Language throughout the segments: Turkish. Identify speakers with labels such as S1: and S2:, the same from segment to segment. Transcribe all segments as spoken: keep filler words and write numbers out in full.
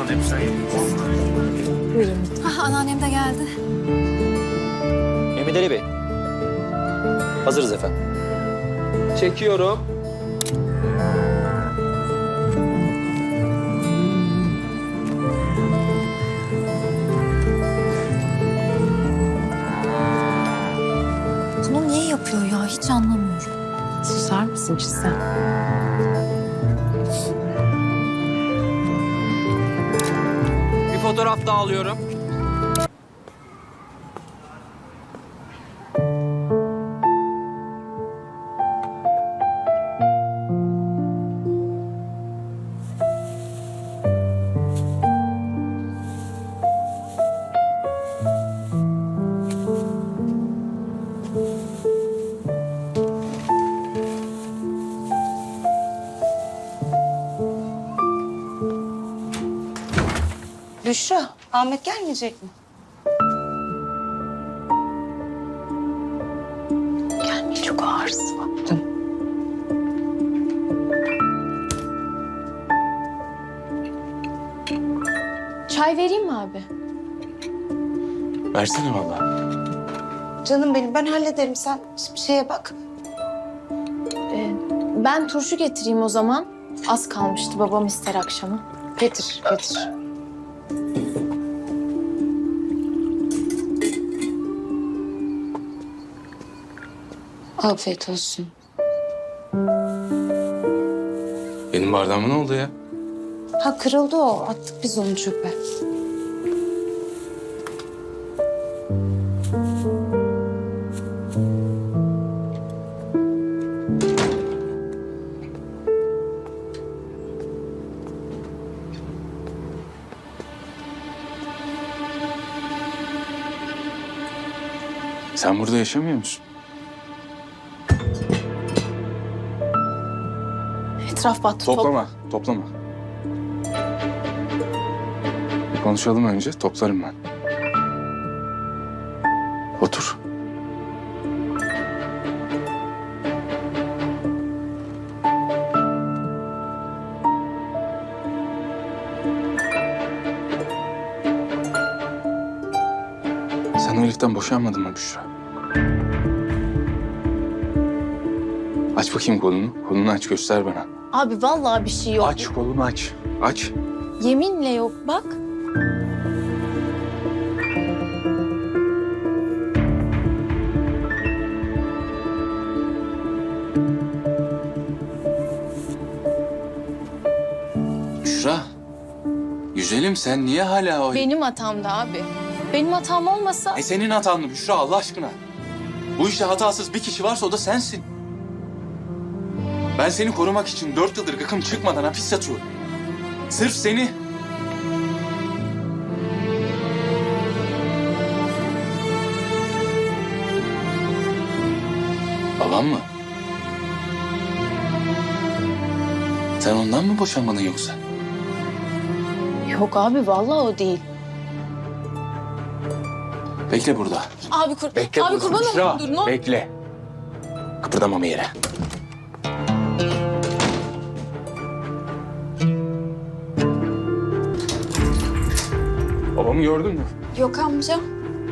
S1: Buyurun.
S2: Ah, anneannem de geldi.
S3: Mehmet Ali Bey. Hazırız efendim. Çekiyorum.
S2: Bunu niye yapıyor ya? Hiç anlamıyorum.
S1: Susar mısın Çizel?
S3: Bir fotoğraf daha alıyorum.
S4: Büşra, Ahmet gelmeyecek mi?
S1: Gelmeyi çok ağırsın. Çay vereyim mi abi?
S5: Versene vallahi.
S4: Canım benim, ben hallederim. Sen bir şeye bak.
S1: Ee, ben turşu getireyim o zaman. Az kalmıştı, babam ister akşama.
S4: Getir, getir. Afiyet olsun.
S5: Benim bardağıma ne oldu ya?
S4: Ha, kırıldı o. Attık biz onu çöpe.
S5: Sen burada yaşamıyor musun?
S1: Etraf battı.
S5: Toplama, toplama. Bir konuşalım önce, toplarım ben. Otur. Sen o heriften boşanmadın mı Büşra? Aç bakayım kolunu. Kolunu aç, göster bana.
S1: Abi vallahi bir şey yok.
S5: Aç kolunu aç. Aç.
S1: Yeminle yok bak.
S5: Büşra. Güzelim sen niye hala o...
S1: Benim hatamdı abi. Benim hatam olmasa...
S5: E senin hatan mı Büşra Allah aşkına? Bu işte hatasız bir kişi varsa o da sensin. Ben seni korumak için dört yıldır gıkım çıkmadan hapis yatıyorum. Sırf seni. Babam mı? Sen ondan mı boşanmadın yoksa?
S1: Yok abi vallahi o değil.
S5: Bekle burada.
S1: Abi kur...
S5: Bekle
S1: abi
S5: burada.
S1: kurban
S5: Büşra,
S1: olayım dur ne olur.
S5: bekle. Kıpırdamama yere. Babamı gördün mü?
S1: Yok amca.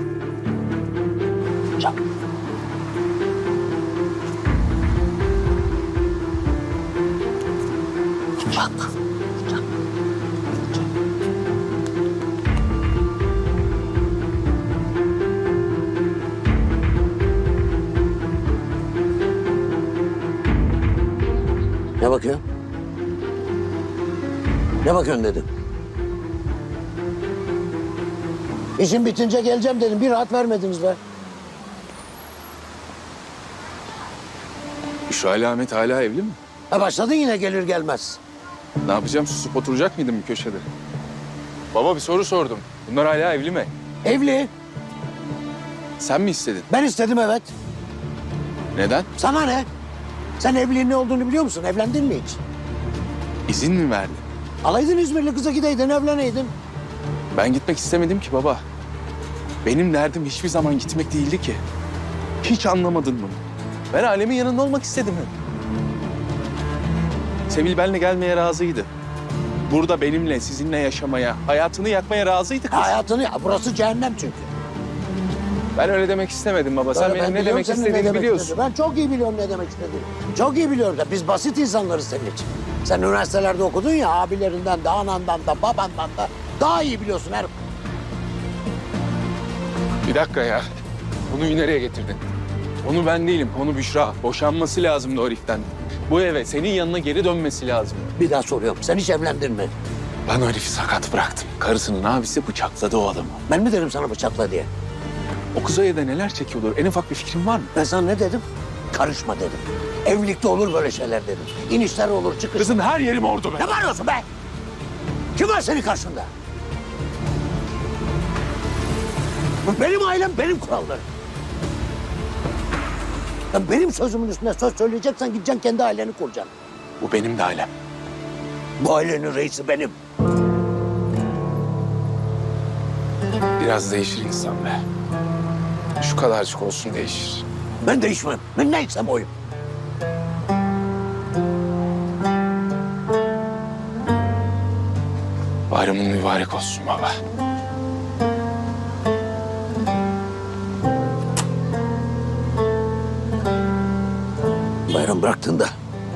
S5: Bak.
S6: Ne bakıyorsun? Ne bakıyorsun dedim. İşin bitince geleceğim dedim. Bir rahat vermediniz be.
S5: Büşra ile Ahmet hala evli mi?
S6: Ha başladın yine gelir gelmez.
S5: Ne yapacağım? Susup oturacak mıydım bir köşede? Baba bir soru sordum. Bunlar hala evli mi?
S6: Evli.
S5: Sen mi istedin?
S6: Ben istedim evet.
S5: Neden?
S6: Sana ne? Sen evliliğin ne olduğunu biliyor musun? Evlendin mi hiç?
S5: İzin mi verdin?
S6: Alaydın İzmirli kıza gideydin, evleneydin.
S5: Ben gitmek istemedim ki baba. Benim derdim hiçbir zaman gitmek değildi ki. Hiç anlamadın mı? Ben alemin yanında olmak istedim hep. Sevil benimle gelmeye razıydı. burada benimle, sizinle yaşamaya, hayatını yakmaya razıydı kız.
S6: Hayatını ya, burası cehennem çünkü.
S5: Ben öyle demek istemedim baba. Sen
S6: Öyle,
S5: benim
S6: ben
S5: ne
S6: biliyorum
S5: demek
S6: senin ne
S5: istediğimi
S6: demek
S5: biliyorsun.
S6: istediğini. Ben çok iyi biliyorum ne demek istediğini. Çok iyi biliyorum da biz basit insanlarız senin için. Sen üniversitelerde okudun ya, abilerinden de, anandan da, babandan da daha iyi biliyorsun her.
S5: Bir dakika ya. Konuyu nereye getirdin? Konu ben değilim, konu Büşra. Boşanması lazımdı o heriften. Bu eve senin yanına geri dönmesi lazım.
S6: Bir daha soruyorum, sen hiç evlendin mi?
S5: Ben o herifi sakat bıraktım. Karısının abisi bıçakladı o adamı.
S6: Ben mi dedim sana bıçakla diye?
S5: O kız o evde neler çekiyordur? En ufak bir fikrin var mı?
S6: Ben sana ne dedim? Karışma dedim. Evlilikte olur böyle şeyler dedim. İnişler olur, çıkışlar.
S5: Kızın her yeri mordu be.
S6: Ne bağırıyorsun be? Kim var senin karşında? Bu benim ailem, benim kurallarım. Ya benim sözümün üstüne söz söyleyeceksen gideceksin kendi aileni kuracaksın.
S5: Bu benim de ailem.
S6: Bu ailenin reisi benim.
S5: Biraz değişir insan be. Şu kadarcık olsun değişir.
S6: Ben değişmem. Ben neysem oyum.
S5: Bayramın mübarek olsun baba.
S6: Bayram bıraktığında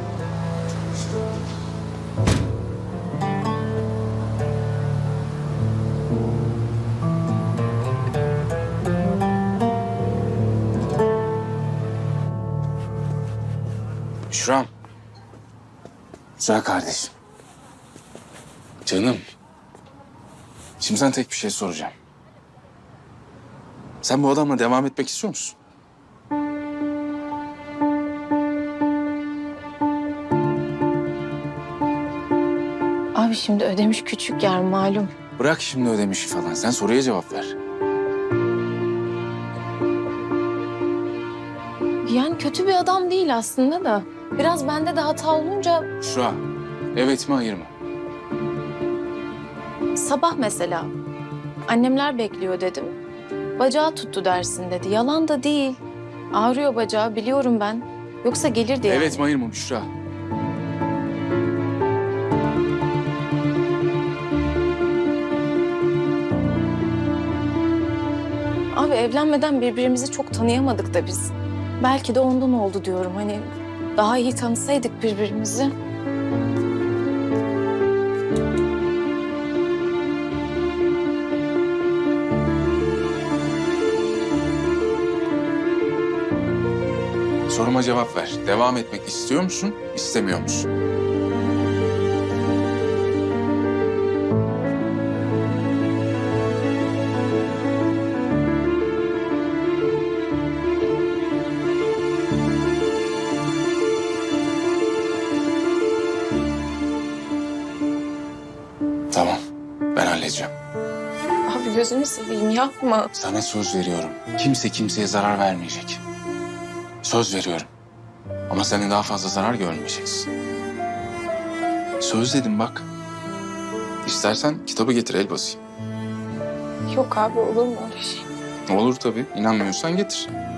S5: Büşra'm. Güzel kardeşim. Canım. Şimdi sana tek bir şey soracağım. Sen bu adamla devam etmek istiyor musun?
S1: Abi şimdi Ödemiş küçük yer malum.
S5: Bırak şimdi ödemişi falan. Sen soruya cevap ver.
S1: Yani kötü bir adam değil aslında da. Biraz bende de hata olunca
S5: Büşra, evet mi hayır mı?
S1: sabah mesela annemler bekliyor dedim. Bacağı tuttu dersin dedi. Yalan da değil. Ağrıyor bacağı biliyorum ben. Yoksa gelirdi yani.
S5: Evet mi hayır mı Büşra?
S1: Abi evlenmeden birbirimizi çok tanıyamadık da biz. Belki de ondan oldu diyorum. Hani daha iyi tanısaydık birbirimizi.
S5: Soruma cevap ver. Devam etmek istiyor musun, istemiyor musun? Tamam, ben halledeceğim.
S1: Abi gözünü seveyim yapma.
S5: Sana söz veriyorum. Kimse kimseye zarar vermeyecek. Söz veriyorum. Ama senin daha fazla zarar görmeyeceksin. Söz dedim bak. İstersen kitabı getir el basayım.
S1: Yok abi olur mu öyle şey?
S5: Olur tabii. İnanmıyorsan getir.